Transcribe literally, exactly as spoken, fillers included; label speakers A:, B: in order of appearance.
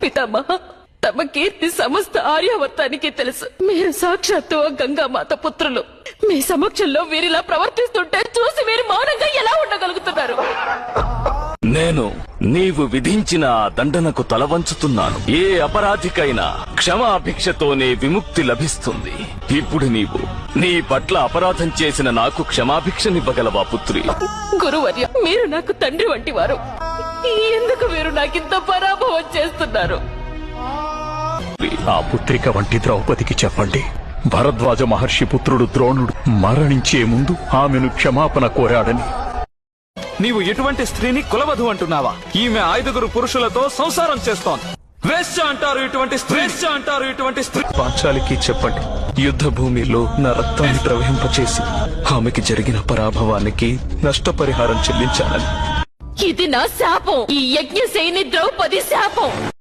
A: పితామహ, తమ కీర్తి సమస్త ఆర్యావర్తానికి తెలుసు. మీరు సాక్షాత్తు ఆ గంగామాత పుత్రులు. మీ సమక్షంలో వీరిలా ప్రవర్తిస్తుంటే చూసి మీరు మౌనంగా ఎలా ఉండగలుగుతున్నారు?
B: నేను నీవు విధించిన ఆ దండనకు తల వంచుతున్నాను. ఏ అపరాధికైనా క్షమాభిక్షతోనే విముక్తి లభిస్తుంది. ఇప్పుడు నీవు నీ పట్ల అపరాధం చేసిన నాకు క్షమాభిక్షనివ్వగలవా పుత్రి?
A: గురువర్య, మీరు నాకు తండ్రి వంటి వారు. ఎందుకు మీరు నాకింత పరాభవం చేస్తున్నారు?
C: ఆ పుత్రిక వంటి ద్రౌపదికి చెప్పండి, భరద్వాజ మహర్షి పుత్రుడు ద్రోణుడు మరణించే ముందు ఆమెను క్షమాపణ కోరాడని.
D: నీవు ఎటువంటి స్త్రీని కులవధు అంటున్నావా? ఈమె ఐదుగురు పురుషులతో సంసారం చేస్తోంది. వేశ్య అంటారు ఇటువంటి స్త్రీ, వేశ్య అంటారు ఇటువంటి స్త్రీ.
E: పాంచాలికి చెప్పండి, యుద్ధ భూమిలో నా రక్తాన్ని ప్రవహింపచేసి ఆమెకి జరిగిన పరాభవానికి నష్టపరిహారం చెల్లించాలని.
A: ఇది నా శాపం. ఈ యజ్ఞసేని ద్రౌపది శాపం.